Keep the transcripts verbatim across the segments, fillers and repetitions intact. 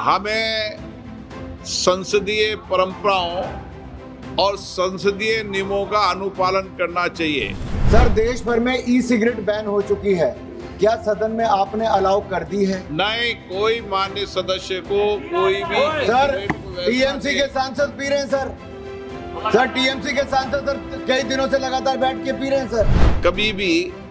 हमें संसदीय परंपराओं और संसदीय नियमों का अनुपालन करना चाहिए। सर, देश भर में ई सिगरेट बैन हो चुकी है, क्या सदन में आपने अलाउ कर दी है? नहीं, कोई मान्य सदस्य को कोई भी सर, सिगरेट को वैसा टीएमसी के नहीं- सांसद पी रहे हैं सर। सर, टीएमसी के सांसद सर कई दिनों से लगातार बैठ के पी रहे हैं सर। कभी भी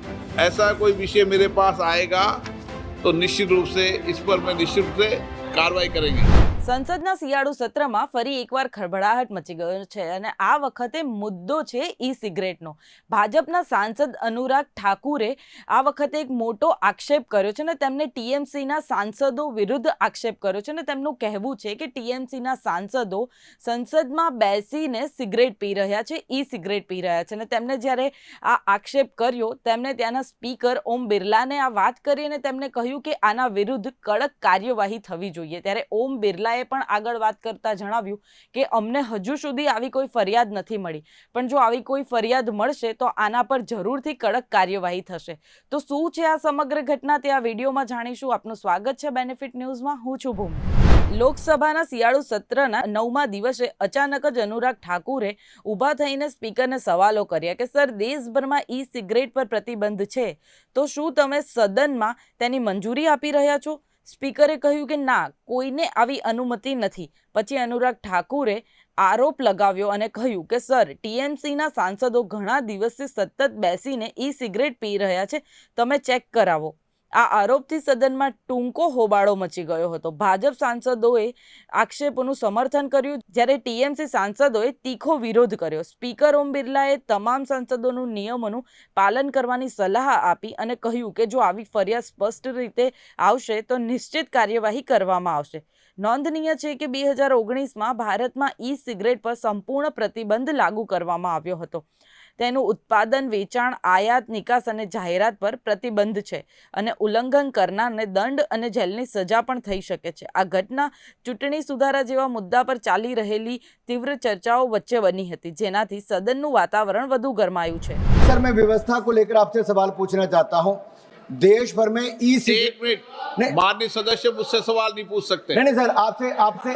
ऐसा कोई विषय मेरे पास आएगा तो निश्चित रूप से इस पर मैं निश्चित रूप से કાર્યવાહી કરેંગે। સંસદના શિયાળુ સત્રમાં ફરી એકવાર ખળભળાહટ મચી ગયો છે અને આ વખતે મુદ્દો છે ઈ સિગરેટનો। ભાજપના સાંસદ અનુરાગ ઠાકુરે આ વખતે એક મોટો આક્ષેપ કર્યો છે અને તેમને ટીએમસીના સાંસદો વિરુદ્ધ આક્ષેપ કર્યો છે અને તેમનું કહેવું છે કે ટીએમસીના સાંસદો સંસદમાં બેસીને સિગરેટ પી રહ્યા છે, ઈ સિગરેટ પી રહ્યા છે અને તેમણે જ્યારે આ આક્ષેપ કર્યો તેમણે ત્યાંના સ્પીકર ઓમ બિરલાને આ વાત કરી અને તેમણે કહ્યું કે આના વિરુદ્ધ કડક કાર્યવાહી થવી જોઈએ। ત્યારે ઓમ બિરલા એ પણ આગળ વાત કરતા જણાવ્યું કે અમને હજુ સુધી આવી કોઈ ફરિયાદ નથી મળી, પણ જો આવી કોઈ ફરિયાદ મળશે તો આના પર જરૂરથી કડક કાર્યવાહી થશે। તો શું છે આ સમગ્ર ઘટના તે આ વિડીયોમાં જાણીશું। આપનું સ્વાગત છે બેનિફિટ ન્યૂઝમાં, હું છું ભૂમિ। લોકસભાના શિયાળુ સત્રના નવમા દિવસે અચાનક જ અનુરાગ ઠાકુરે ઊભા થઈને સ્પીકરને સવાલો કર્યા કે સર, દેશભરમાં ઈ સિગરેટ પર પ્રતિબંધ છે તો શું તમે સદનમાં તેની મંજૂરી આપી રહ્યા છો? સ્પીકરે કહ્યું કે ના, કોઈને આવી અનુમતિ નથી। પછી અનુરાગ ઠાકુરે આરોપ લગાવ્યો અને કહ્યું કે સર, ટીએમસીના સાંસદો ઘણા દિવસથી સતત બેસીને ઈ સિગરેટ પી રહ્યા છે, તમે ચેક કરાવો। આ આરોપથી સદનમાં ટૂંકો હોબાળો મચી ગયો હતો। ભાજપ સાંસદોએ આક્ષેપોનું સમર્થન કર્યું જ્યારે ટીએમસી સાંસદોએ તીખો વિરોધ કર્યો। સ્પીકર ઓમ બિરલાએ તમામ સાંસદોનું નિયમોનું પાલન કરવાની સલાહ આપી અને કહ્યું કે જો આવી ફરિયાદ સ્પષ્ટ રીતે આવશે તો નિશ્ચિત કાર્યવાહી કરવામાં આવશે। નોંધનીય છે કે બે હજાર ઓગણીસમાં ભારતમાં ઈ સિગરેટ પર સંપૂર્ણ પ્રતિબંધ લાગુ કરવામાં આવ્યો હતો। તેનું ઉત્પાદન, વેચાણ, આયાત, નિકાસ અને જાહેરાત પર પ્રતિબંધ છે અને ઉલ્લંઘન કરનારને દંડ અને જેલની સજા પણ થઈ શકે છે। આ ઘટના ચૂંટણી સુધારા જેવા મુદ્દા પર ચાલી રહેલી તીવ્ર ચર્ચાઓ વચ્ચે બની હતી, જેનાથી સદનનું વાતાવરણ વધુ ગરમાયું છે। सर, मैं व्यवस्था को लेकर आपसे सवाल पूछना चाहता हूँ। देश भर में ई एक सिगरेट मिनट, माननीय सदस्य मुझसे सवाल नहीं पूछ सकते। नहीं नहीं सर, आपसे आपसे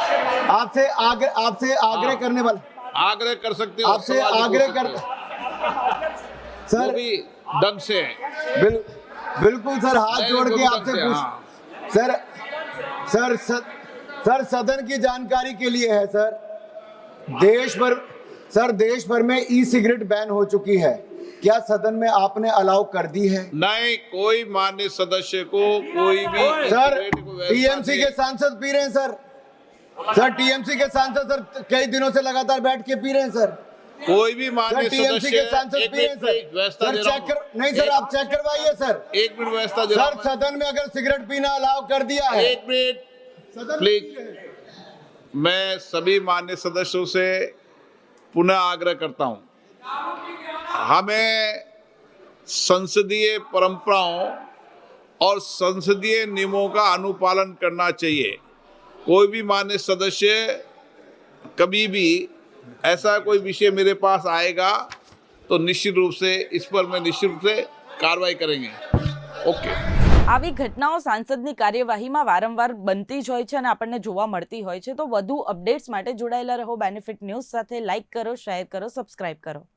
आपसे आग्रह आपसे आग्रह करने वाला आग्रह कर सकते हो, आपसे सवाल नहीं आग्रह पूछ कर सकते। वो सर भी ढंग से बिल, बिल्कुल सर, हाथ नहीं, जोड़ वो के भी आपसे ढंग से, पूछ हाँ। सर सर सर सर सदन की जानकारी के लिए है सर, देश भर सर देश भर में ई सिगरेट बैन हो चुकी है, क्या सदन में आपने अलाउ कर दी है? नहीं, कोई मान्य सदस्य को कोई भी सर, सिगरेट को वैसा टीएमसी के नहीं- सांसद पी रहे हैं सर। सर, टीएमसी के सांसद सर कई दिनों से लगातार बैठ के पी रहे हैं सर। कोई भी सर, मान्य टीएमसी सदस्य के सांसद एक पी रहे हैं मिनट, एक सर। व्यवस्था सर दे रहा चेक हूं। कर नहीं सर, एक- आप चेक करवाइए सर। एक मिनट व्यवस्था दे रहा सर, हूं। सदन में अगर सिगरेट पीना अलाउ कर दिया है, एक मिनट सदन प्लीज, मैं सभी मान्य सदस्यों से पुनः आग्रह करता हूं, हमें संसदीय परंपराओं और संसदीय नियमों का अनुपालन करना चाहिए। कोई भी मान्य सदस्य कभी भी ऐसा कोई विषय मेरे पास आएगा तो निश्चित रूप से इस पर मैं निश्चित रूप से कार्रवाई करेंगे। ओके। આવી ઘટનાઓ સાંસદની કાર્યવાહીમાં વારંવાર બનતી જ હોય છે અને આપણને જોવા મળતી હોય છે। તો વધુ અપડેટ્સ માટે જોડાયેલા રહો બેનિફિટ ન્યૂઝ સાથે। લાઇક કરો, શેર કરો, સબસ્ક્રાઇબ કરો।